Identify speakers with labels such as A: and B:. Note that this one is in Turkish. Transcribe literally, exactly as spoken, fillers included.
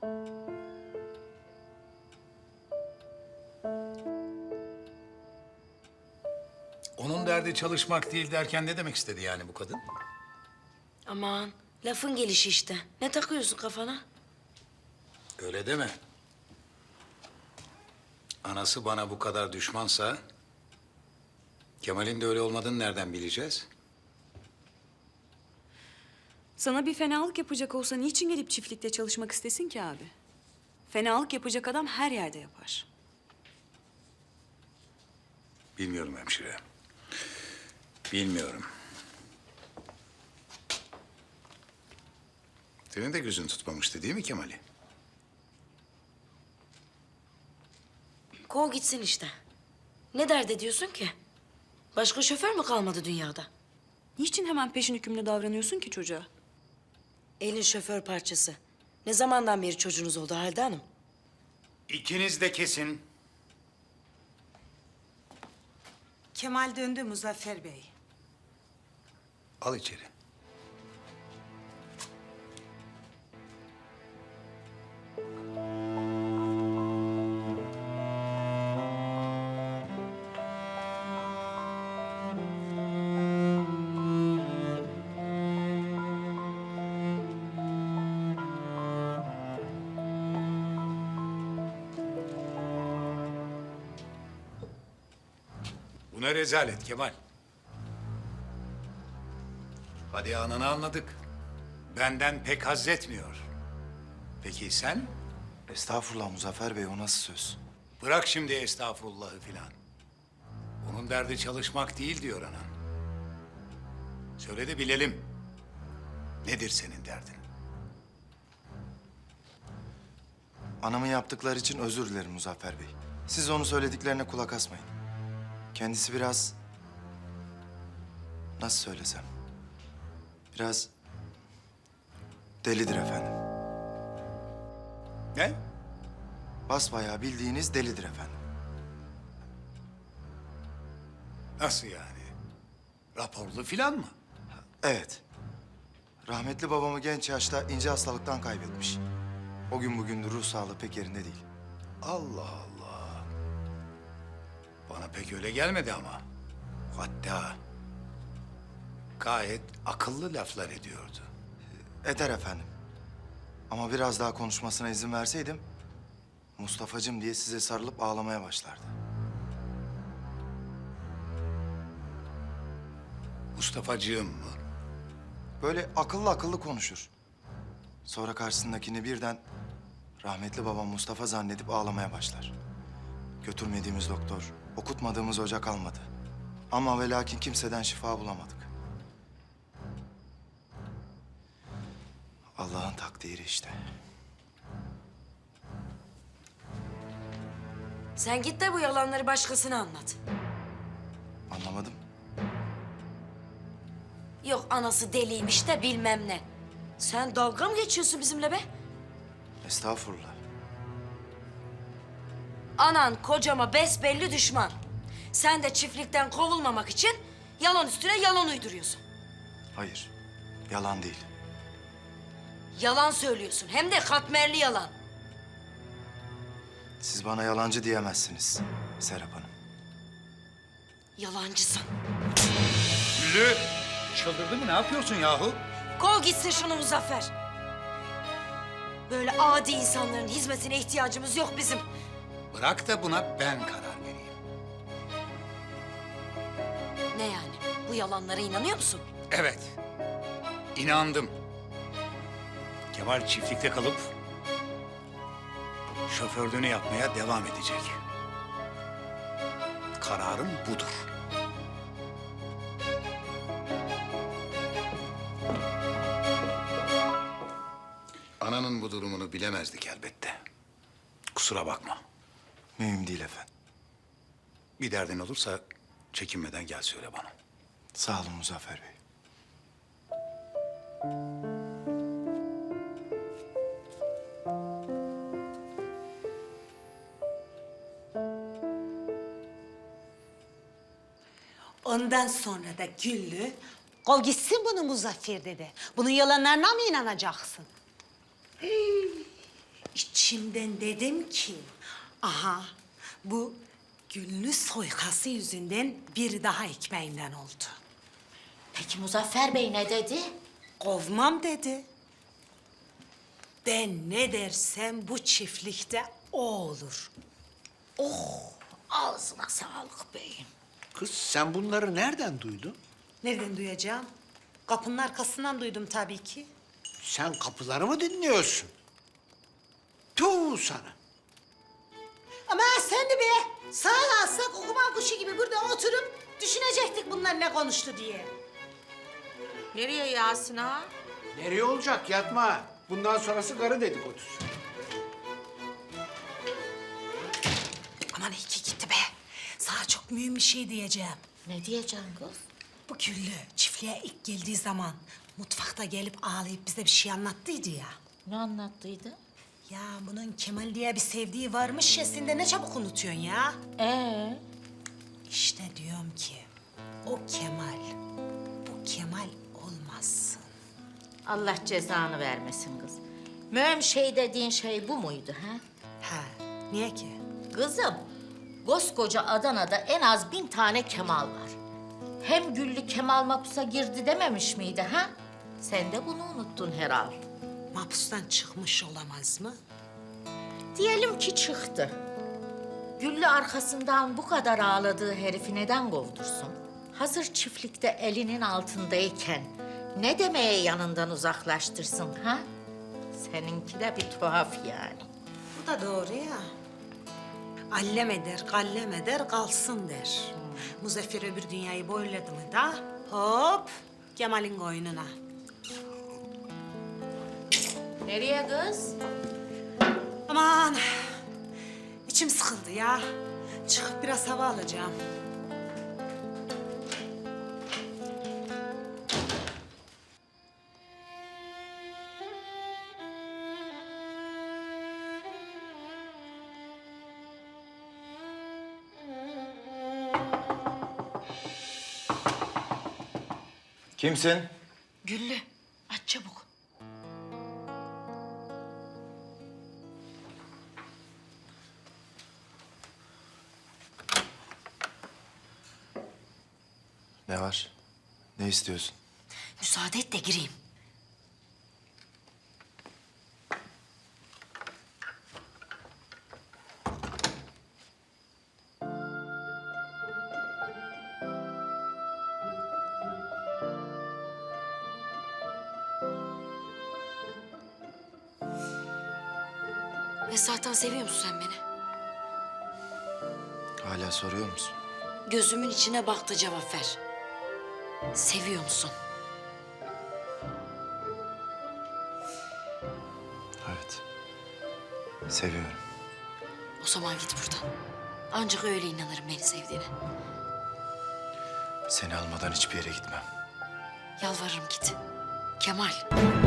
A: Onun derdi çalışmak değil derken ne demek istedi yani bu kadın?
B: Aman lafın gelişi işte. Ne takıyorsun kafana?
A: Öyle deme. Anası bana bu kadar düşmansa... Kemal'in de öyle olmadığını nereden bileceğiz?
C: Sana bir fenalık yapacak olsa niçin gelip çiftlikte çalışmak istesin ki abi? Fenalık yapacak adam her yerde yapar.
A: Bilmiyorum hemşire. Bilmiyorum. Senin de gözün tutmamıştı değil mi Kemal'i?
B: Kov gitsin işte. Ne dert ediyorsun ki? Başka şoför mü kalmadı dünyada?
C: Niçin hemen peşin hükümlü davranıyorsun ki çocuğa?
B: Elin şoför parçası. Ne zamandan beri çocuğunuz oldu Halide Hanım?
A: İkiniz de kesin.
D: Kemal döndü Muzaffer Bey.
A: Al içeri. Bu ne rezalet Kemal? Hadi ananı anladık. Benden pek haz etmiyor. Peki sen?
E: Estağfurullah Muzaffer Bey, o nasıl söz?
A: Bırak şimdi estağfurullahı filan. Onun derdi çalışmak değil diyor anan. Söyle de bilelim. Nedir senin derdin?
E: Anamın yaptıkları için özür dilerim Muzaffer Bey. Siz onun söylediklerine kulak asmayın. Kendisi biraz... Nasıl söylesem? Biraz... delidir efendim.
A: Ne?
E: Basbayağı bildiğiniz delidir efendim.
A: Nasıl yani? Raporlu filan mı?
E: Evet. Rahmetli babamı genç yaşta ince hastalıktan kaybetmiş. O gün bugündür ruh sağlığı pek yerinde değil.
A: Allah Allah. Bana pek öyle gelmedi ama. Hatta gayet akıllı laflar ediyordu.
E: Eder efendim. Ama biraz daha konuşmasına izin verseydim... Mustafa'cığım diye size sarılıp ağlamaya başlardı.
A: Mustafa'cığım mı?
E: Böyle akıllı akıllı konuşur. Sonra karşısındakini birden rahmetli babam Mustafa zannedip ağlamaya başlar. Götürmediğimiz doktor, okutmadığımız hoca kalmadı. Ama ve lakin kimseden şifa bulamadık. Allah'ın takdiri işte.
B: Sen git de bu yalanları başkasına anlat.
E: Anlamadım.
B: Yok anası deliymiş de bilmem ne. Sen dalga mı geçiyorsun bizimle be?
E: Estağfurullah.
B: Anan kocama besbelli düşman. Sen de çiftlikten kovulmamak için yalan üstüne yalan uyduruyorsun.
E: Hayır, yalan değil.
B: Yalan söylüyorsun hem de katmerli yalan.
E: Siz bana yalancı diyemezsiniz Serap Hanım.
B: Yalancısın.
A: Güllü! Çıldırdı mı? Ne yapıyorsun yahu?
B: Kov gitsin şunu Muzaffer. Böyle adi insanların hizmetine ihtiyacımız yok bizim.
A: Bırak da buna ben karar vereyim.
B: Ne yani? Bu yalanlara inanıyor musun?
A: Evet. İnandım. Kemal çiftlikte kalıp şoförlüğünü yapmaya devam edecek. Kararım budur. Ananın bu durumunu bilemezdik elbette. Kusura bakma.
E: Mühim değil efendim.
A: Bir derdin olursa çekinmeden gel söyle bana.
E: Sağ olun Muzaffer Bey.
D: Ondan sonra da Güllü, kov gitsin bunu Muzaffer dedi. Bunun yalanlarına mı inanacaksın? Hii, İçimden dedim ki, aha bu Güllü soykası yüzünden bir daha ekmeğinden oldu.
F: Peki Muzaffer Bey ne dedi?
D: Kovmam dedi. Ben ne dersem bu çiftlikte o olur.
F: Ağzına sağlık beyim.
G: Kız sen bunları nereden duydun?
D: Nereden duyacağım? Kapının arkasından duydum tabii ki.
G: Sen kapıları mı dinliyorsun? Tuğ sana.
D: Ama sen de be, sağ alsak okuma kuşu gibi burada oturup düşünecektik bunlar ne konuştu diye.
F: Nereye Yasin ağa?
G: Nereye olacak yatma. Bundan sonrası karı dedikodusu.
D: Aman iyi ki gitti be. Sana çok mühim bir şey diyeceğim.
F: Ne diyeceksin kız?
D: Bu Güllü çiftliğe ilk geldiği zaman mutfakta gelip ağlayıp bize bir şey anlattıydı ya.
F: Ne anlattıydı?
D: Ya bunun Kemal diye bir sevdiği varmış ya, sen de ne çabuk unutuyorsun ya.
F: Ee,
D: İşte diyorum ki o Kemal, bu Kemal olmazsın.
F: Allah cezanı vermesin kız. Mühim şey dediğin şey bu muydu ha?
D: Ha, niye ki?
F: Kızım, koskoca Adana'da en az bin tane Kemal var. Hem Güllü Kemal mapusa girdi dememiş miydi ha? Sen de bunu unuttun herhal.
D: Mahpustan çıkmış olamaz mı?
F: Diyelim ki çıktı. Güllü arkasından bu kadar ağladığı herifi neden kovdursun? Hazır çiftlikte elinin altındayken ne demeye yanından uzaklaştırsın ha? Seninki de bir tuhaf yani.
D: Bu da doğru ya. Allem eder, kallem eder, kalsın der. Muzaffer öbür dünyayı boyladı mı da hop Kemal'in koynuna.
F: Nereye kız?
D: Aman içim sıkıldı ya. Çıkıp biraz hava alacağım.
E: Kimsin?
F: Güllü, aç çabuk.
E: Ne var? Ne istiyorsun?
B: Müsaade et de gireyim. Esra'tan seviyor musun sen beni?
E: Hala soruyor musun?
B: Gözümün içine bak da cevap ver. Seviyor musun?
E: Evet. Seviyorum.
B: O zaman git buradan. Ancak öyle inanırım beni sevdiğine.
E: Seni almadan hiçbir yere gitmem.
B: Yalvarırım git. Kemal.